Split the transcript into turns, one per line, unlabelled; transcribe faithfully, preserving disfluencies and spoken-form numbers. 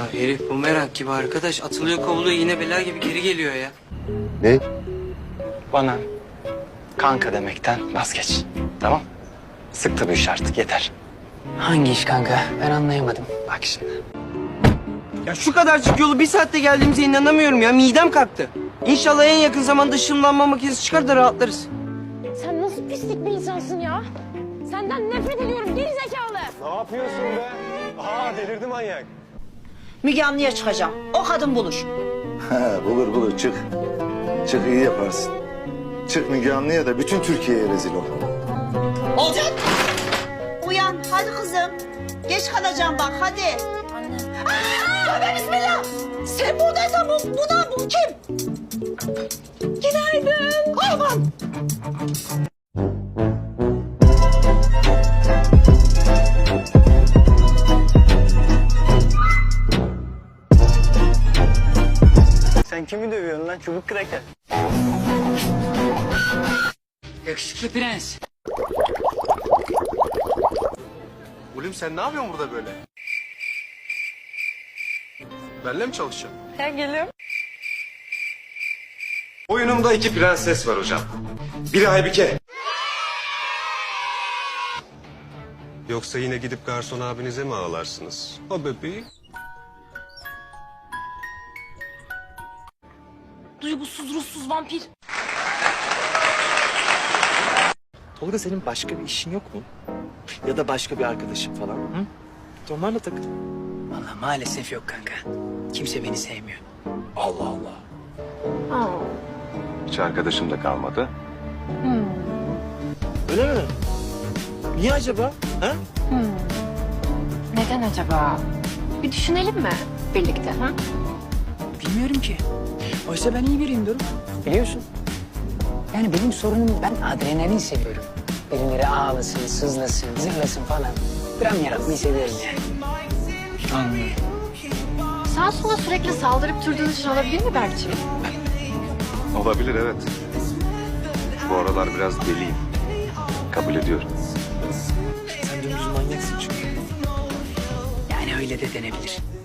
herif bumerang gibi arkadaş. Atılıyor kovuluyor yine bela gibi geri geliyor ya.
Ne?
Bana kanka demekten vazgeç. Tamam? Sıktı bu iş artık yeter.
Hangi iş kanka? Ben anlayamadım.
Bak şimdi.
Ya şu kadarcık yolu bir saatte geldiğimize inanamıyorum ya. Midem kalktı. İnşallah en yakın zamanda ışınlanma makinesi çıkar da rahatlarız.
Sen nasıl pislik bir insansın ya? Senden nefret ediyorum geri zekalı.
Ne yapıyorsun be? Aa delirdi manyak.
Müge Anlı'ya çıkacağım. O kadın bulur.
Ha, bulur bulur çık. Çık iyi yaparsın. Çık Müge Anlı'ya da bütün Türkiye'ye rezil ol.
Olacak. Uyan hadi kızım. Geç kalacağım bak hadi.
Anne.
Aa, tövbe bismillah. Sen buradaysan bu, bu da bu kim? Günaydın. Aman.
Sen kimi dövüyorsun lan çubuk kraker?
Yakışıklı prens.
Oğlum sen ne yapıyorsun burada böyle? Benle mi çalışacaksın?
Ya geliyorum.
Oyunumda iki prenses var hocam. Biri Aybike. Yoksa yine gidip garson abinize mi ağlarsınız? O bebeği.
Duygusuz ruhsuz vampir.
Tolga senin başka bir işin yok mu? Ya da başka bir arkadaşın falan hı? Onlarla takıl.
Vallahi maalesef yok kanka. Kimse beni sevmiyor.
Allah Allah.
Aa.
Hiç arkadaşım da kalmadı.
Öyle mi? Niye acaba? Ha?
Neden acaba? Bir düşünelim mi birlikte? Ha?
Bilmiyorum ki. Oysa ben iyi biriyim Doruk. Biliyorsun. Yani benim sorunum ben adrenalin seviyorum. Birileri ağlasın, sızlasın, zırlasın falan. Dram yaratmayı seviyorum yani. Anlıyorum.
Sağa sola sürekli saldırıp durduğun için olabilir mi Berkçim?
Olabilir evet. Bu aralar biraz deliyim. Kabul ediyorum.
Sen dümdüz manyaksın çünkü.
Yani öyle de denebilir.